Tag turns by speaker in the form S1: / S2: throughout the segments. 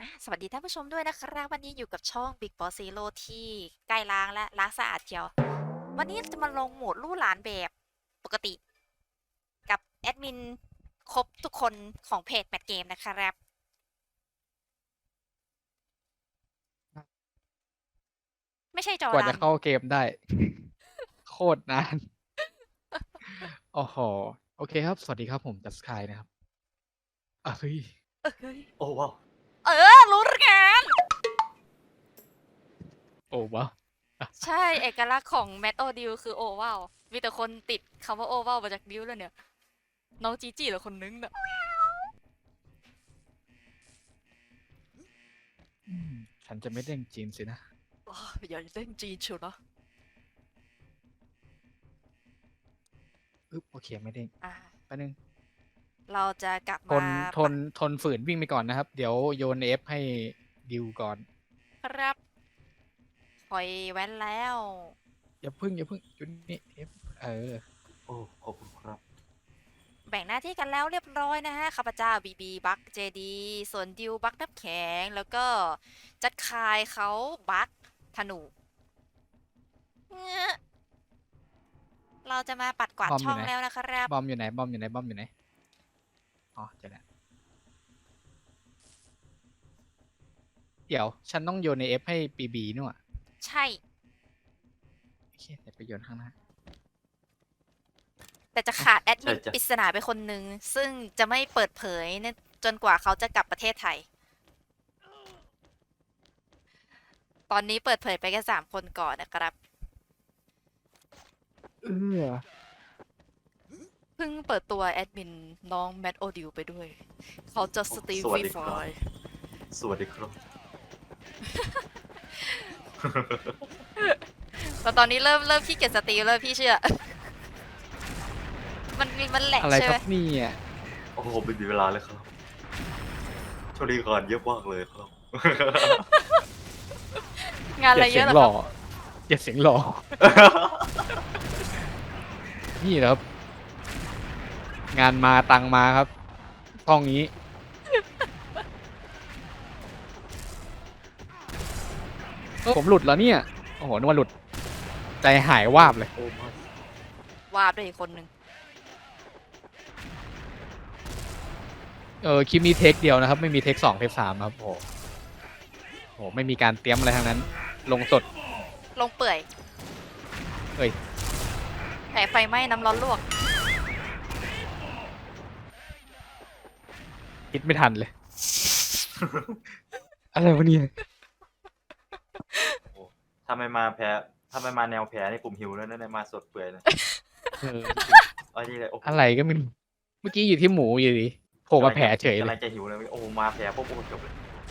S1: สวัสดีท่านผู้ชมด้วยนะครับวันนี้อยู่กับช่อง Big Boss Zero ที่ใกล้ล้างและล้างสะอาดเชียววันนี้จะมาลงโหมดลู่หลานแบบปกติกับแอดมินครบทุกคนของเพจแมทเกมนะครับไม่ใช่จอ
S2: กว่า
S1: ดัน
S2: จะเข้าเกมได้ โคตรนานโอ้โหโอเคครับ สวัสดีครับผมจัสกายนะครับเฮ้ย
S1: เฮ้ย
S3: โอ้ว้าว
S1: รู้กัน
S2: โอ้ว้าว
S1: ใช่เอกลักษณ์ของแมทโอดิวคือโอว้าวมีแต่คนติดคำว่าโอว้าวมาจากดิวเลยเนี่ยน้องจีจีเหรือคนนึงน่ะ
S2: อืมฉันจะไม่เด้งจีนสินะ
S1: อย่าเล่นจีนเชียวนะ
S2: โอเคไม่เด้ง
S1: อ่า
S2: แป๊บนึง
S1: เราจะกลับ
S2: ท
S1: มา
S2: นทนทนฝืนวิ่งไปก่อนนะครับ เดี๋ยวโยนเอฟให้ดิวก่อน
S1: ครับคอยแว้นแล้ว
S2: อย่าพึ่งจุดนี้เอฟ
S3: โอ้ขอบคุณครับ
S1: แบ่งหน้าที่กันแล้วเรียบร้อยนะฮะข้าพเจ้าบีบีบักเจดีส่วนดิวบักน้ำแข็งแล้วก็จัดคายเขาบักธนูเงอะเราจะมาปัดกวาดช่อง
S2: บอมอยู่ไหน
S1: แล้วนะครับ
S2: บอมอยู่ไหนบอมอยู่ไหนบอมอยู่ไหนอ๋อเจอแล้วเดี๋ยวฉันต้องโยนในเอฟให้ปีบีนู่นอะ
S1: ใช่
S2: โอเคเดี๋ยวไปโยนข้างหน้า
S1: แต่จะขาดแอดมิ
S3: ใช่จ้ะ
S1: นปริศนาไปคนหนึ่งซึ่งจะไม่เปิดเผยเนี่ยจนกว่าเขาจะกลับประเทศไทย ตอนนี้เปิดเผยไปแค่3 คนก่อนนะครับ
S2: เออ
S1: เพิ่งเปิดตัวแอดมินน้องแมทโอดิวไปด้วย เขาจะสตรีม
S3: สวั
S1: ฟรีไฟ
S3: สดีครับ สวัสดีครับ
S1: แต่ตอนนี้เริ่มขี้เกียจสตรีมแล้วพี่เชื่อ มันแหลก
S2: อะไร
S1: ใช่ไหม
S2: ครับเนี่ย
S3: โอ้โหไม่มีเวลาเลยครับช่วงนี้งานเยอะมากเลยครับ
S1: งาน
S2: อ
S1: อะไร
S2: ย่าเสียงหล่อ
S1: เยอะเหรอครับ
S2: อย่าเสียงหล่อนี่แหละครับ งานมาตังมาครับห้องนี้ผมหลุดแล้วเนี่ยโอ้โหนึกว่าหลุดใจหายวาบเลย
S3: โอ้ไม่
S1: วาดด้วยอีกคนหนึ่ง
S2: คลิปนี้เทคเดียวนะครับไม่มีเทค2เทค3ครับโอ้โหไม่มีการเตรียมอะไรทั้งนั้นลงสด
S1: ลงเปื่อย
S2: เอ้ย
S1: แผลไฟไหม้น้ำร้อนลวก
S2: คิดไม่ทันเลยอะไรวะเนี่ย
S3: โอ้ถ้าไม่มาแพ้ถ้าไม่มาแนวแพ้นี่ผมหิวแล้วนะมาสดเปื่อยเลย
S2: เออ
S3: อันนี้เลยโอ้โห
S2: อะไรก็ไม่รู้เมื่อกี้อยู่ที่หมูอยู่ดีโผล่มาแผลเฉยเลย
S3: กำลังจะหิวเลยโอ้โหมาแพ้ปุ๊บโอ้โหจบเลย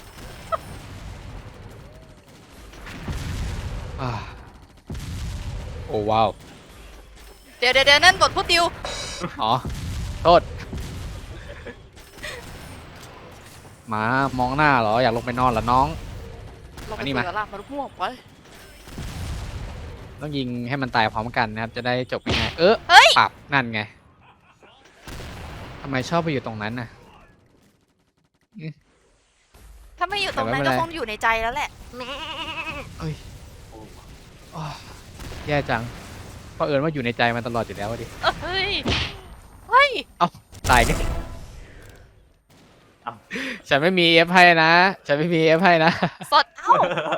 S2: อ่าโอ้ว้าว
S1: เดี๋ยวนั่นบทพูดดิว
S2: อ๋อโทษมามองหน้าเหรออยากลงไปนอนเหรอน้อง
S1: ลงไป
S2: อันนี้มา
S1: คุยกับล่ามมาลุกม่วงไป
S2: ต้องยิงให้มันตายพร้อมกันนะครับจะได้จบง่ายๆ
S1: เฮ้ย
S2: ปรับนั่นไงทำไมชอบไปอยู่ตรงนั้นน่ะ
S1: ถ้าไม่อยู่ต
S2: แต่
S1: รงนั้น
S2: ไม่เป็นไร
S1: ก็คงอยู่ในใจแล้วแหละ
S2: เอ้ย
S3: โอ้
S2: อ้อแย่จังเพราะเอิญว่าอยู่ในใจมันตลอดอยู่แล้วอะดิ
S1: เฮ้ยเฮ้ย
S2: เอ้าตายกัน
S3: เอ้า
S2: ฉันไม่มีเอฟให้นะฉันไม่มีเอฟให้นะ
S1: สดเอ้า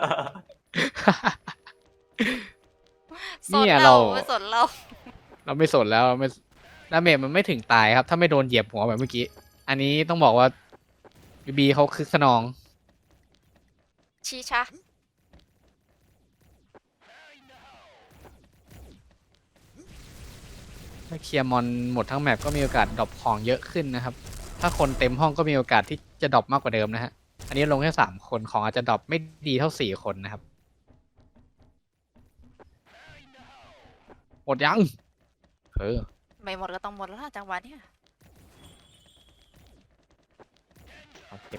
S1: สด
S2: เนี่ย
S1: เราไม่สดเรา
S2: เราไม่สนแล้วไม่ดาเมจมันไม่ถึงตายครับถ้าไม่โดนเหยียบหัวแบบเมื่อกี้อันนี้ต้องบอกว่าบีบีเขาคึกขนอง
S1: ชีชะ
S2: ถ้าเคลียร์มอนหมดทั้งแมปก็มีโอกาสดรอปของเยอะขึ้นนะครับถ้าคนเต็มห้องก็มีโอกาสที่จะดรอปมากกว่าเดิมนะฮะอันนี้ลงแค่3 คนของอาจจะดรอปไม่ดีเท่า4 คนนะครับหมดยังเออ
S1: ไม่หมดก็ต้องหมดแล้วล่ะจังหวะเนี้ย
S2: เอาเก็บ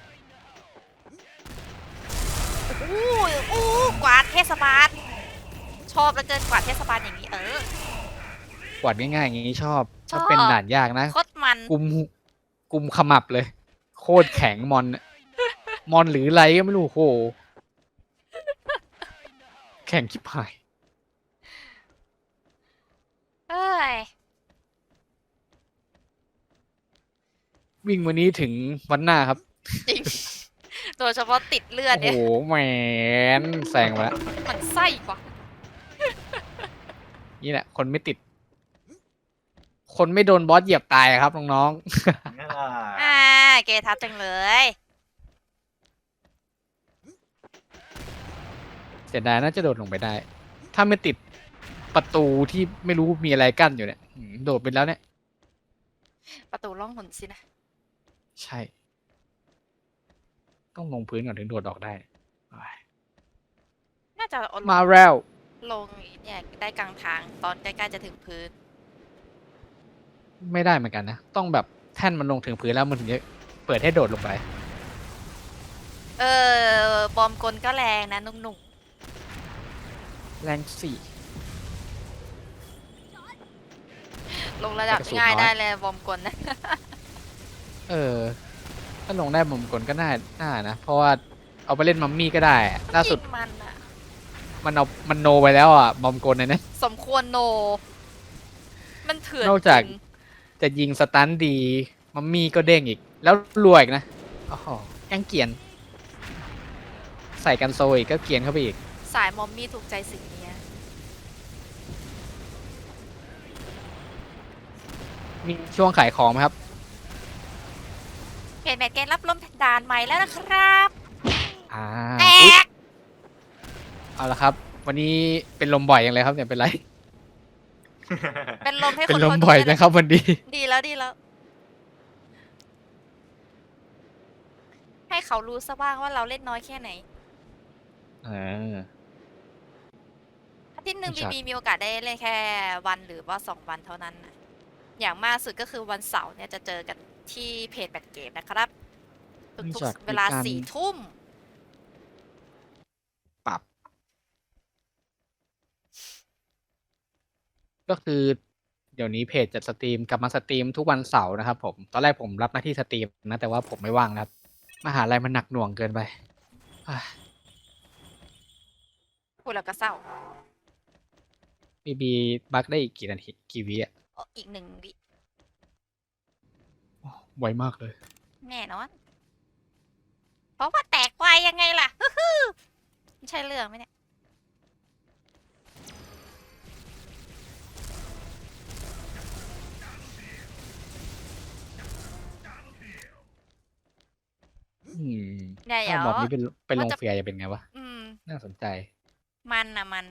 S1: อู้กวาดเทศบาลชอบแล้วเกินกวาดเทศบาลอย่างนี้
S2: กวาดง่ายๆอย่างนี้ชอบ
S1: ชอ
S2: ถ้าเป็น
S1: บ
S2: ด่านยากนะ
S1: โคตรมัน
S2: กุมกุมขมับเลยโคตรแข็งมอนมอนหรืออะไรก็ไม่รู้โหแข่งชิบหาย
S1: เอ้ย
S2: วิ่งวันนี้ถึงวันหน้าครับ
S1: จริง โดยเฉพาะติดเลือด
S2: โอ้โห
S1: เนี่ย
S2: แหมนแซงมาแล้ว
S1: มันไส้กว่า
S2: นี่แหละ คนไม่ติด คนไม่โดนบอสเหยียบตายอะครับน้อง
S3: ง่า
S1: อ่า เกทับจังเลย
S2: ๆ เสียดายน่าจะโดดลงไปได้ ถ้าไม่ติดประตูที่ไม่รู้มีอะไรกั้นอยู่เนี่ยโดดไปแล้วเนี่ย
S1: ประตูล่องหนสินะ
S2: ใช่ ต้องลงพื้นก่อนถึงโดดออกได้ไป
S1: น่าจะเอา
S2: มาแล้ว
S1: ลงเนี่ยได้กลางทางตอนใกล้ๆจะถึงพื้น
S2: ไม่ได้เหมือนกันนะ ต้องแบบแท่นมันลงถึงพื้นแล้วมันถึงจะเปิดให้โดดลงไป
S1: เออบอมกลก็แรงนะหนุ่ม
S2: แรงสี่
S1: ๆลงระดับ
S2: กระสุน
S1: ง่าย
S2: น้อย
S1: ได้เลยบอมกลนะ
S2: เออ ถ้าลงได้มุมกลก็น่านะ เพราะว่าเอาไปเล่นมัมมี่ก็ได้อะล่าสุด
S1: ยิงมันอะ
S2: มันโนไปแล้วอ่ะมอมกลเนี่ยนะ
S1: สมควรโน มันเถื่อน
S2: นอกจาก
S1: จริง
S2: จะยิงสตันดี มัมมี่ก็เด้งอีก แล้วรวยอีกนะโอ้โหยังเกรียน ใส่กันโซอีกก็เกรียนเข้าไปอีก
S1: สายมอมมี่ถูกใจสิ่งเนี้ย
S2: มีช่วงขายของไหมครับ
S1: เพจแมทเกนรับลมด่านใหม่แล้วนะครับ
S2: อ่า
S1: แต
S2: อุ๊ย
S1: ก
S2: เอาละครับ วันนี้เป็นลมบ่อยอย่างไรครับเนี่ยเป็นไร
S1: เป็นลมให้
S2: เป็
S1: คน น
S2: ลม
S1: คน
S2: บ่อย
S1: นี้
S2: นะครับวันนี้
S1: ดีแล้วดีแล้ว ให้เขารู้ซะบ้างว่าเราเล่นน้อยแค่ไหน
S2: อ่า
S1: อาทิตย์หนึ่ง
S2: ไม่
S1: บี
S2: ชัด
S1: บีมีโอกาสได้เล่นแค่วันหรือว่า2 วันเท่านั้นนะอย่างมากสุดก็คือวันเสาร์เนี่ยจะเจอกันที่เพจแบทเกมนะครับ ทุ
S2: เนื่อง
S1: ก
S2: จาก
S1: ๆเวลา
S2: มีการ
S1: 4 ทุ่ม
S2: ปรับ ก็คือ เดี๋ยวนี้เพจจะสตรีมกลับมาสตรีมทุกวันเสาร์นะครับผม ตอนแรกผมรับหน้าที่สตรีมนะ แต่ว่าผมไม่ว่างนะครับ มหาลัยมันหนักหน่วงเกินไปอ่ะ
S1: พูดแล้วก็เศร้า
S2: บีบักได้อีกกี่นาทีกี่วิอ่ะ
S1: อีก1 วิ
S2: โอ้ไวมากเลย
S1: แน่นอน เพราะว่าแตกไวยังไงล่ะ ฮึ่มไม่ใช่เรื่องไหมเนี่ย
S2: อืม
S1: เดี๋
S2: ถ้า
S1: ยว
S2: มอบนี้เป็นล
S1: ว่าง จะ
S2: เฟียร์จะเป็นไงวะ
S1: อืม
S2: น่าสนใจ
S1: มันนะมัน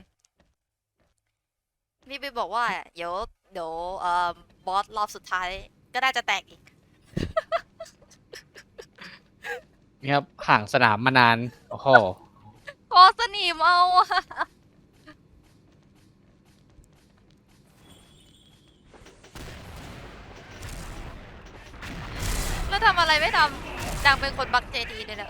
S1: นี่ไปบอกว่า เดี๋ยวบอสรอบสุดท้าย ก็น่าจะแตกอีก
S2: นี่ครับ ห่างสนามมานาน โอ้โห
S1: ขอสนิมเอาอะแล้วทำอะไรไม่ทำดังเป็นคนบักเจดีเลยนะ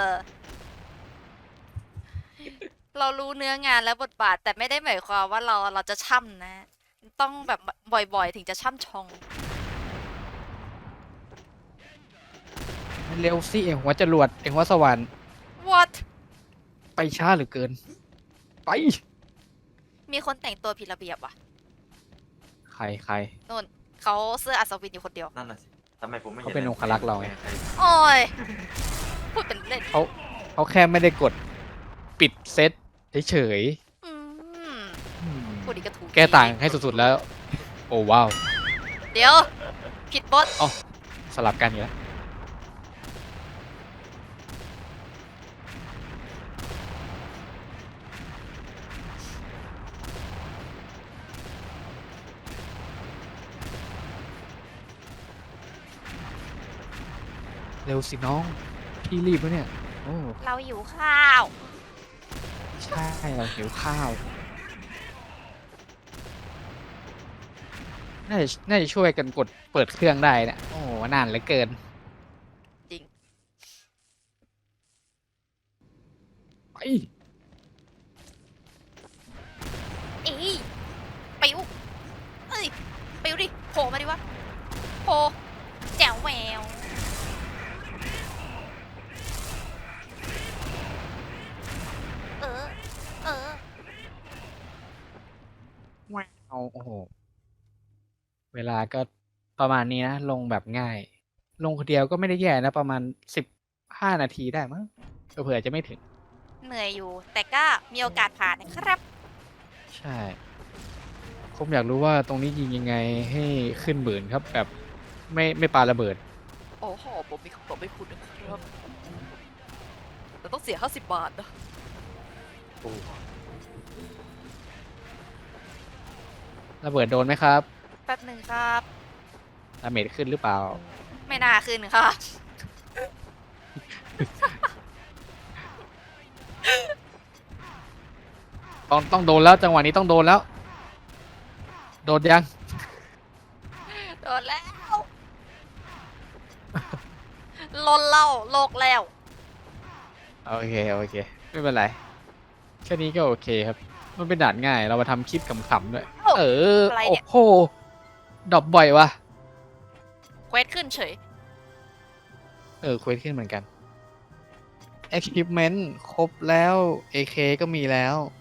S1: เรารู้เนื้องานและบทบาท แต่ไม่ได้หมายความว่าเราจะช่ำนะ ต้องแบบบ่อยๆ ถึงจะช่ำชอง
S2: เร็วสิเองหัวจรวดเองหัวสวรรค์
S1: what
S2: ไปช้าเหลือเกิน ไป
S1: มีคนแต่งตัวผิดระเบียบว่ะ
S2: ใคร
S1: นู่นเขาเสื้ออัศวินอยู่คนเดียว
S3: นั่นน่ะสิทำไมผมไม่เห็น
S2: เขาเป็นองครักษ์เราไง
S1: โอ้ย พูดเป็นเล่น
S2: เขาแค่ไม่ได้กดปิดเซตเฉย
S1: อืม
S2: ๆอืม
S1: พูดอีกก็ถูก
S2: แก้ต่างให้สุดๆแล้ว โอ้ว้าว
S1: เดี๋ยว ผิดบท
S2: สลับกันอยู่แล้วเร็วสิน้อง พี่รีบแล้วเนี่ย โอ้
S1: เราอยู่ข้าว
S2: ใช่เราหิวข้าว น่าจะช่วยกันกดเปิดเครื่องได้เนะ โอ้นานเหลือเกิน
S1: จริง
S2: ไป
S1: อีปิวเอ้ยปิวดิโผล่มาดิวะโผล่แจ๋วแหวว
S2: โอ้โหเวลาก็ประมาณนี้นะลงแบบง่าย ลงคนเดียวก็ไม่ได้แย่นะประมาณ15 นาทีได้มั้งเผื่อๆจะไม่ถึง
S1: เหนื่อยอยู่ แต่ก็มีโอกาสผ่านนะครับ
S2: ใช่ผมอยากรู้ว่าตรงนี้ยิงยังไงให้ขึ้นหมื่นครับ แบบไม่ปาระเบิด
S1: โอ้โหผมมีคำตอบให้คุณนะครับแต่ต้องเสีย50 บาทนะ
S3: โอ้
S2: ระเบิดโดนไหมครับ
S1: แป๊บหนึ่งครับ
S2: ดาเมจขึ้นหรือเปล่า
S1: ไม่น่าขึ้นครับ
S2: ต้องโดนแล้วจังหวะนี้ต้องโดนแล้ว โดนยัง
S1: โดนแล้ว ลนเล่าโลกแล้ว
S2: โอเค ไม่เป็นไร แค่นี้ก็โอเคครับ มันเป็นด่านง่าย เรามาทำคลิปขำๆด้วย
S1: เอ้า
S2: เออ
S1: อะไร
S2: โอ้
S1: เนี่ย
S2: โหดรอปบ่อยวะ
S1: เควสขึ้นเฉย
S2: เควสขึ้นเหมือนกัน Equipment ครบแล้ว AK ก็มีแล้ว